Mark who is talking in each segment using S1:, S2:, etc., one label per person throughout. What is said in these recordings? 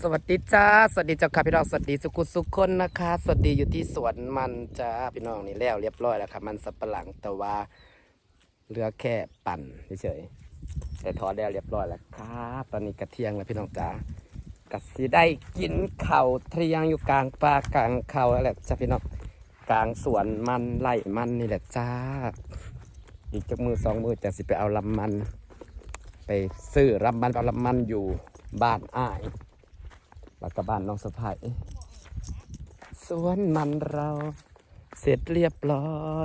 S1: สวัสดีจ้าสวัสดีเจ้าค่ะพี่น้องสวัสดีสุขุสุขคนนะคะสวัสดีอยู่ที่สวนมันจ้าพี่น้องนี่แล้วเรียบร้อยแล้วค่ะมันสับปะหลังแต่ว่าเหลือแค่ปั่นเฉยๆแต่ทอดแล้วเรียบร้อยแล้วครับตอนนี้กระเทียงแล้วพี่น้องจ้ากะสิได้กินข้าวเที่ยงอยู่กลางป่ากลางเขาแล้วแหละจ้าพี่น้องกลางสวนมันไร่มันนี่แหละจ้าอีกจักมือสองมือจะสิไปเอาลำมันไปซื้อลำมันเอาลำมันอยู่บ้านอ้ายแล้วก็บ้านน้องสะพ้ายสวนมันเราเสร็จเรียบร้อย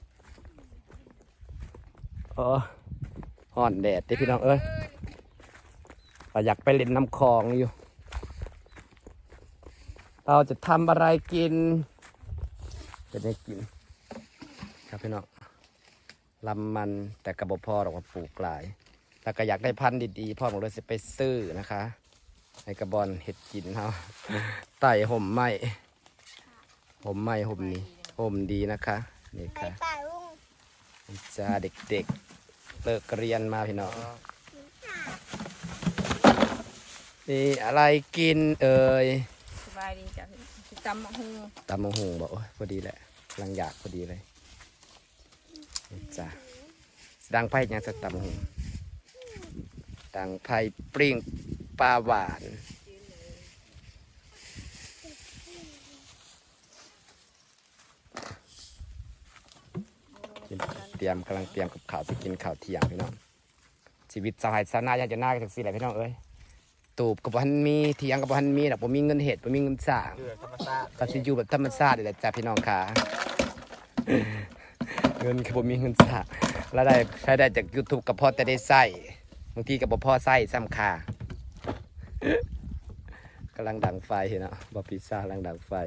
S1: ห่อนแดดที่พี่น้องเอ้ยอยากไปเล่นน้ำคลองอยู่เราจะทำอะไรกินจะได้กินครับพี่น้องลำมันแต่กระบอกพ่อเราก็ปลูกหลายแล้วก็อยากได้พันธุ์ดีๆพ่อผมเลยจะไปซื้อนะคะในกระบอนเห็ดกินเขาไต่ห่มไม้ห่มไม้ห่มนี้ห่มดีนะคะนี่ค่ะจ้าเด็กๆเลิกเรียนมาพี่น้องนี่อะไรกินเอ่ย
S2: สบายดีจ้ะตำมะฮุง
S1: ตำมะฮุงบอกพอดีแหละกำลังอยากพอดีเลยนี่จ้าดังไผ่ยังจะตำมะฮุงดังไผ่ปริงปลาหวานกำลังเตรียมกับข้าวจะกินข้าวเที่ยงพี่น้องชีวิตสาวไร่สาวนาอยากจะน่ากันสิแหละพี่น้องเอ้ยตูบกับพันมีเที่ยงกับพันมีแต่ผมมีเงินเห็ดผมมีเงินสร้างก็สิอยู่แบบธรรมชาติแหละจ้ะพี่น้องค่ะเงินคือผมมีเงินสร้างแล้วได้ใช้ได้จาก YouTube กับพ่อแต่ได้ใส่บางทีกับพ่อใส่ซ้ำค่ะกำลังดังไฟเนาะบอพิซซ่ากำลังดังไฟ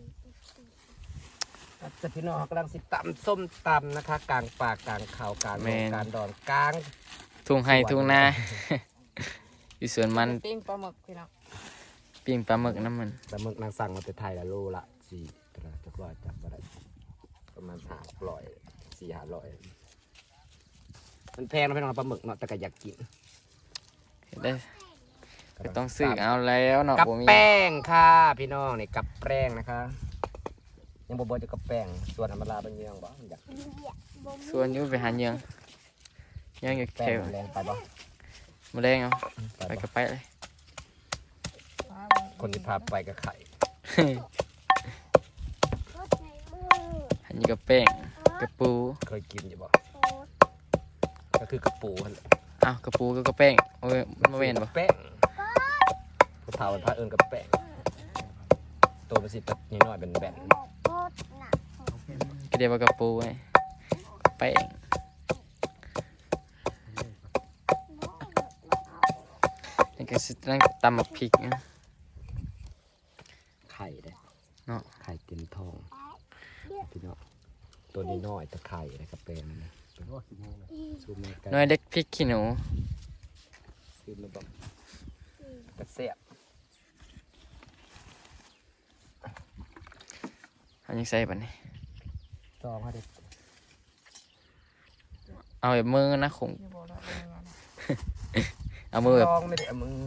S1: จะพี่น้องกำลังสิตำส้มตำนะคะกลางป่ากลางเขากลางการดอนกลาง
S3: ทุ่งไห้ทุ่งนาอยู่สวนมัน
S2: ปิ้งปลาหมึกพี่น้อง
S3: ปิ้งปลาหมึกน้ำมัน
S1: ปลาหมึกนางสั่งมาแต่ไทยละโลละ4จักรวาลจับอะไรประมาณ500 มันแพงนะพี่น้องปลาหมึกเนาะแต่ก็อยากกิน
S3: ได้ก็ต้องซื้อเอาแล้วเนาะ
S1: กับแป้งค่ะพี่น้องนี่กับแป้งนะคะยังบ่จะกับแป้งส่วนธรรมดาเป็นยังบ่อยาก
S3: ส่วนอยู่ไปหายังอยู่แค่
S1: แรงไปบ่
S3: มาแรงเอาไปก็ไปเลย
S1: คนที่พาไปก็ไข่
S3: อันนี้ก็แป้งกระปู
S1: เคยกินอยู่บ่ก็คือกระปูนั่นแหละ
S3: อ้าวกระปูก็แป้งโอ้ยมันไม่เห็นบ่
S1: แป้งผู้เฒ่าเป็นพระเอิญกับแป้งตัวประสิทธิ์นิดหน่อยเป็นแบน
S3: ก็เรียกว่ากระปูไงแป้งนี่ก็สิตั้งตำหมักพริกนะ
S1: ไข่เลย
S3: เนาะ
S1: ไข่เต็มท้องพี่น้องตัวนี้น้อยตะไคร่นะครับเป็น
S3: น้อยเด็กพริกขี้หนู
S1: คือมันแบบกระเสียบ
S3: อันนี้ใส่ปะนี่
S1: จองให้เด็ก
S3: เอาแบบมือนะคงเอามือแบบ
S1: ไม่ได้เอามือ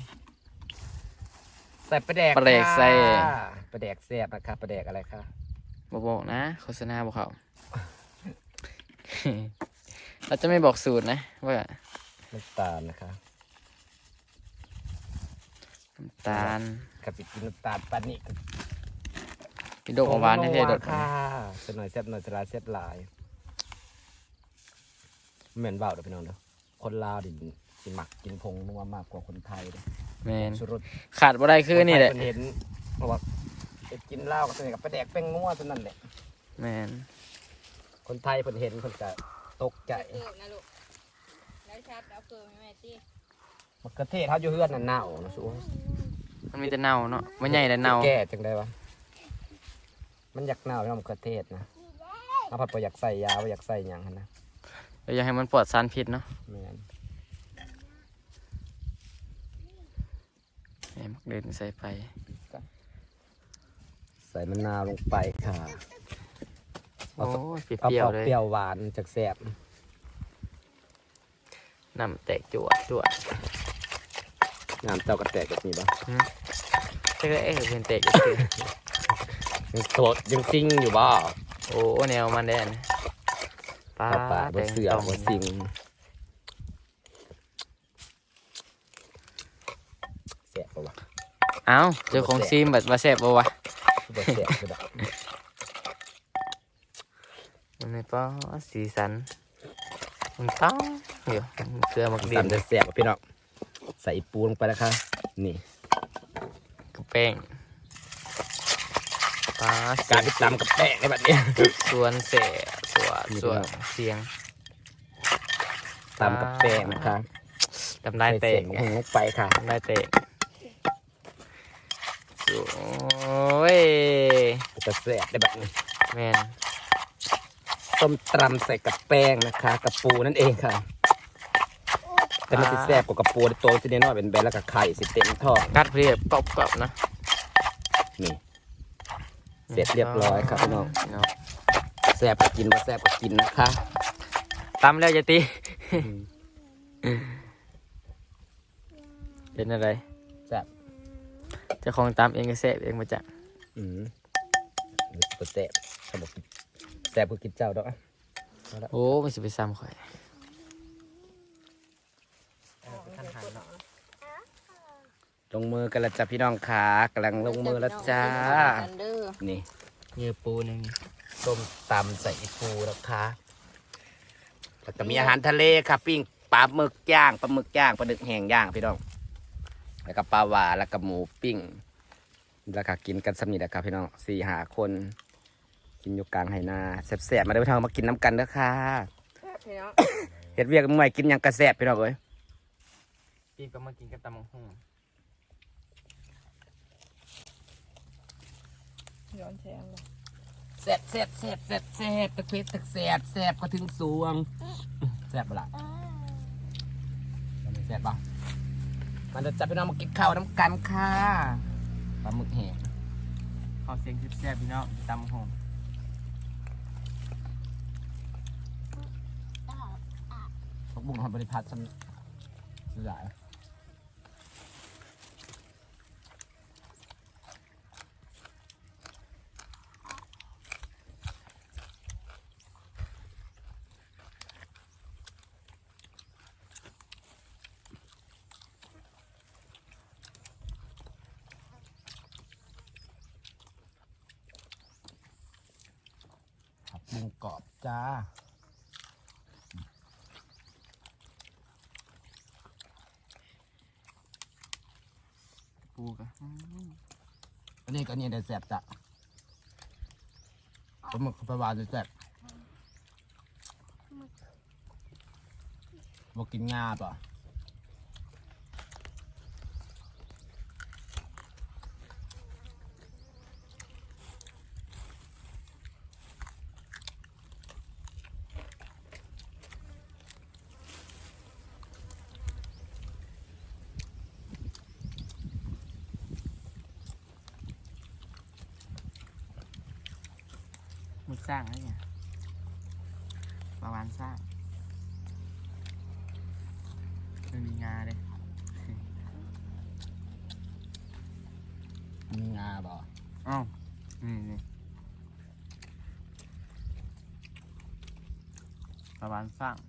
S1: ใส่ปลาแดก
S3: ใส่
S1: ปลาแดกเสียบนะครับปลาแดกอะไรคะ
S3: บอกนะโฆษณาบอกเขา เราจะไม่บอกสูตรนะว่า
S1: น้ำตาลนะคะ
S3: น้ำตาล
S1: กับกินน้ำตาลปานิก
S3: พี่โดกหวานให้เทด
S1: ค่ะเสียหน่อยเสียบหน่อยสลายเสียบหลายเหม็นเบาเด้อพี่น้องเด้อคนลาวดิกินหมักกินพงนัวมากกว่าคนไทยเลย
S3: แมนขาดบ่ได้คือนี่แหละ
S1: เห็นเพราะว่ากินเหล้ากับตัวนี้กับปลาแดกแป้งนัวตัวนั้นแหละ
S3: แมน
S1: คนไทยเพิ่นเห็นเพิ่นก็ตกใจมะเขือเทศเขาอยู่เฮือนน่ะเน่านะสู้
S3: มันมีแต่เน่าเนาะมันใหญ่แต่เน่า
S1: แก่จังได้วะมันอยากเน่าเนาะมะเขือเทศนะเอาผัดบ่อยากใส่ยาบ่อยากใส่หยังหั่นนะ
S3: อยากให้มันปลอดสารพิษเนาะ
S1: แม่น
S3: มักเดินใส่ไป
S1: ใส่มะนาวลงไปค่ะ
S3: โอ้เปรี้ยวเลย
S1: เปรี้ยวหวานจากแซ่บ
S3: น้ำแตกจวด
S1: น้ำเจ้ากระแตกแบบนี้ปะ
S3: เจ๊ก็เป็นเตะอยู่คือ
S1: ยังสดยังซิงอยู่บ่
S3: โอ้แนวมันแดนปลา
S1: ปลาบนเสือบนซิงแสบปะวะ
S3: เอ้าเจอของซีมแบบมาแซ่บบ่วะ
S1: บนแสบคือแบบ
S3: มันในป้อสีสันมันต้องเดี๋ยวเกลือมักดิ
S1: ตำ
S3: น
S1: จะแสบพี่น้องใส่ปูลงไปนะคะนี่
S3: กับแป้งปลา
S1: การไปตำกับแป้งในแบบนี้
S3: ส่วนเสะส่วนเสียง
S1: ตำกับแป้งนะคะ
S3: จำได้เตะ
S1: ใส่เสียงลงไปค่ะ
S3: จำได้เตะโอ้ย
S1: จะแสบได้แบบนี้
S3: แมน
S1: ต้มตำใส่กับแป้งนะคะกับปูนั่นเองค่ะแต่มันจะแสบกว่ากับปูตัวสิเนน้อยเป็นแบนแล้วกับไข่สิเต็มท้อง
S3: กัดเรียบกรอบๆนะ
S1: นี่เสร็จเรียบร้อยครับพี่น้อง
S3: เนาะ
S1: แซ่บก็กินว่าแซ่บก็กินนะคะ
S3: ตำแล้วจะตีเป็นอะไร
S1: แซ่บ
S3: เจ้าของตำเองก็แซ่บเองมาจาก
S1: นี่ก็แซ่บเขาบอกแซ่บก็กินเจ้าดอก
S3: โอ้มันสิไปซ้ำข่อย
S1: ลงมือกันและจ้ะพี่น้องขากำลังลงมือแล้วจ้านี่
S3: เนื้อปูหนึ่ง
S1: ต้มตำใส่ปูนะคะแล้วก็มีอาหารทะเลค่ะปิ้งปลาหมึกย่างปลาหมึกย่างปลาดึกแห้งย่างพี่น้องแล้วก็ปลาหวานแล้วก็หมูปิ้งแล้วก็กินกันสำนีนะครับพี่น้อง4-5 คนกินอยู่กลางไหนาแซ่บๆมาเด้อพี่น้องมากินน้ำกันเด้อค่ะ
S2: พี่น้อง
S1: เฮ็ดเวียกเมื่อยกินหยังกระแซ่บพี่น้องเอ้ย
S3: ปีก็มากินกับตำมังหุ่ง
S2: ย้อนแสงเลย
S1: แซ่บแซ่บแซ่บแซ่บแซ่บตะเพ็ดตะแซ่บแซ่บก็ถึงสวงแซ่บปะล่ะแซ่บปะมันจะจับพี่น้องมากินข้าวน้ำกันค่ะปลาหมึกแห้ง
S3: ขอเสียงแซ่บๆพี่น้องตำมังหุ่ง
S1: ผักบุ้งทำบริพัตรสลายผักบุ้งกรอบจ้า
S3: ปูกัน
S1: อันนี้ก็นี่ได้แซ่บจ้ะปลาหมึกปลาหวานจะแซ่บบอกกินงาป่ะ
S3: มึกสร้างอะไรเนี่ยประมาณสร้างมันมีงาเลย
S1: มีงาป่ะ
S3: อ้าวนี่ประมาณสร้าง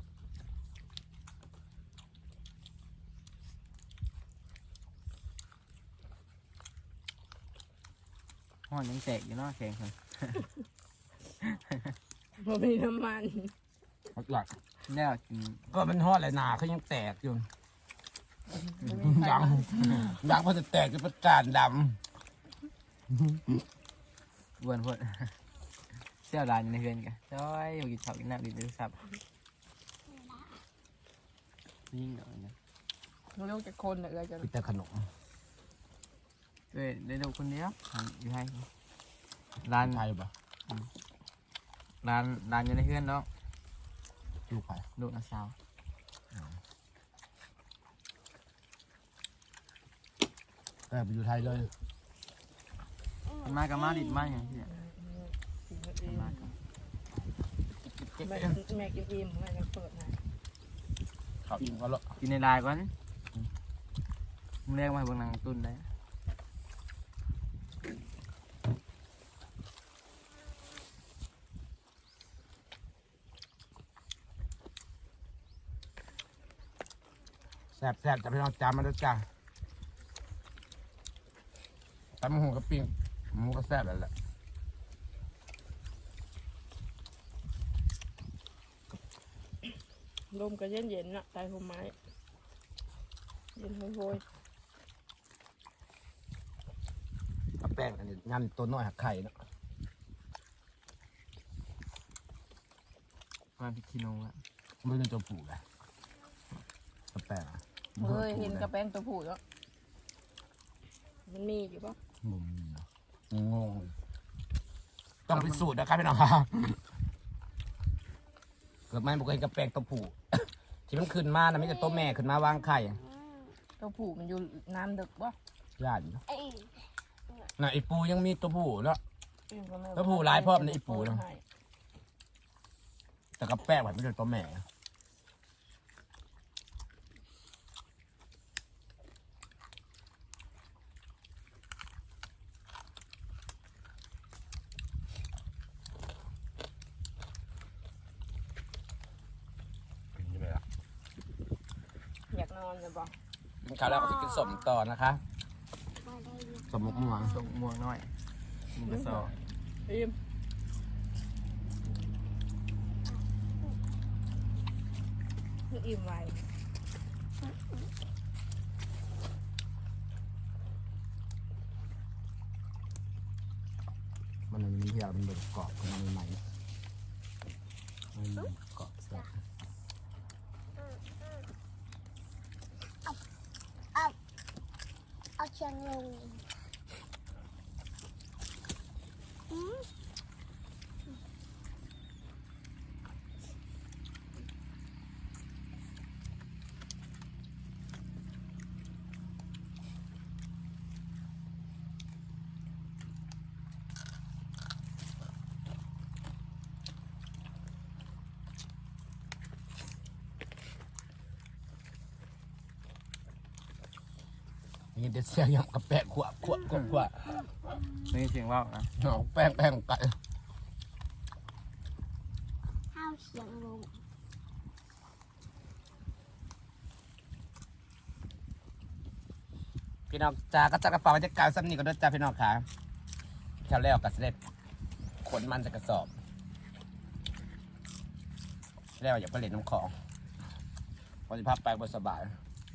S3: ห้อนยังแตกอยู่เนาะแข็งคน
S2: บ่มีน้ำมัน
S1: หลัก
S3: แล้วกิน
S1: ก็มันทอดเลยหนาเขายังแตกอยู่ยังพอจะแตกจะประจานด
S3: อ้วนพด เสี่ยวลายในเฮือนกันจ้อยอยู่กินข้าวกินน้ำกินดูสับยิ่งหน่อยนะ
S2: ลูกจะคนเหลือจะ
S1: ำกินแต่ขนม
S3: ได้ดูคนเดียวอยู่ให้ร้าน
S1: ไทยป่ะ
S3: ร้านอยู่ในเฮือนเนาะ
S1: ลูกไผ่
S3: ลูกน้าสาว
S1: แต่ไปอยู่ไทยเลย
S3: มันมากับมาดิดมาอย่างที่เนี่ยมากับ
S2: แม่กินอิ่มแม่จะเปิดให้
S1: เขาอิ่มก็ละ
S3: กินในลายก่อนมึงเรียกมาให้เบิ่งหนังตุ้นได้
S1: แซ่บแซ่บจะพี่น้องจามมาด้วยจ้าตำหูกับปิ้งหมูก็แซ่บแล้วแหละ
S2: ลมก็เย็นๆน่ะใต้ต้นไม้เย็นโหย
S1: เอาแป้งอันนี้งานตัวน้อยหักไข่เนาะ
S3: มาพิคิโนอะ
S1: ไม่เป็นตัวผูกเลยเอาแป้งอะ
S2: ๆเฮ้ยเห็นกระแป้งตัวผู้แล้วมันมีอยู่ปะ
S1: งงเนาะงงต้องพิสูจน์นะครับพี่น้องครับเกิดไม่บอกเห็นกับแป้งตัวผูก ที่มันขึ้นมานะไม่ใช่ตัวแม่ขึ้นมาวางไข่
S2: ตัวผู้มันอยู่น้ำดึกปะ
S1: ญาติเนาะน่ะไอปูยังมีตัวผูกเนาะ
S2: อิ่มก็ไม่
S1: ตัวผู้หลายพร้อมในอีปูเนาะ
S2: ให้
S1: แต่กับแป้งมันไม่ใช่ตัวแม่นี่เลยล่ะ
S2: อยากนอนเลยปะ
S1: กินข้าวแล้วก็จะกินสมต่อนะคะสมมกม่วง
S3: ส่งม่วงน้อยมึงก็สอ
S2: อิ่มอิ่มไว
S1: มันมีเพียมันเป็นกรอบของมันใหม่มันกรอบแซ่บ
S4: เอาเชียงลง
S1: นี่เด็ดเสียงยำกับแป้งขวบขวบขวบขวบ
S3: นี่เสียงว่าวนะ
S1: หอมแป้งไก่
S4: ข้าวเชียงลง
S1: พี่น้องจ้าก็จัดกระเป๋าบรรยากาศซ้ำนี่ก็ด้วยจ้าพี่น้องค่ะแค่แล้วก็เสด็จขนมันจะกระสอบแล้วอย่าไปเล่นน้ำของพอจะพับไปบนสบาย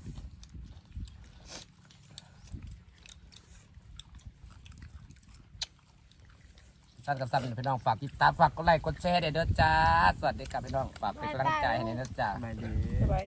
S1: สั้นกับสั้นพี่น้องฝากติดตามฝากกดไลค์กดแชร์เด้อจ้าสวัสดีครับพี่น้องฝากเป็นกำลังใจให้เด้อจ้า
S3: สบายดี
S2: สบาย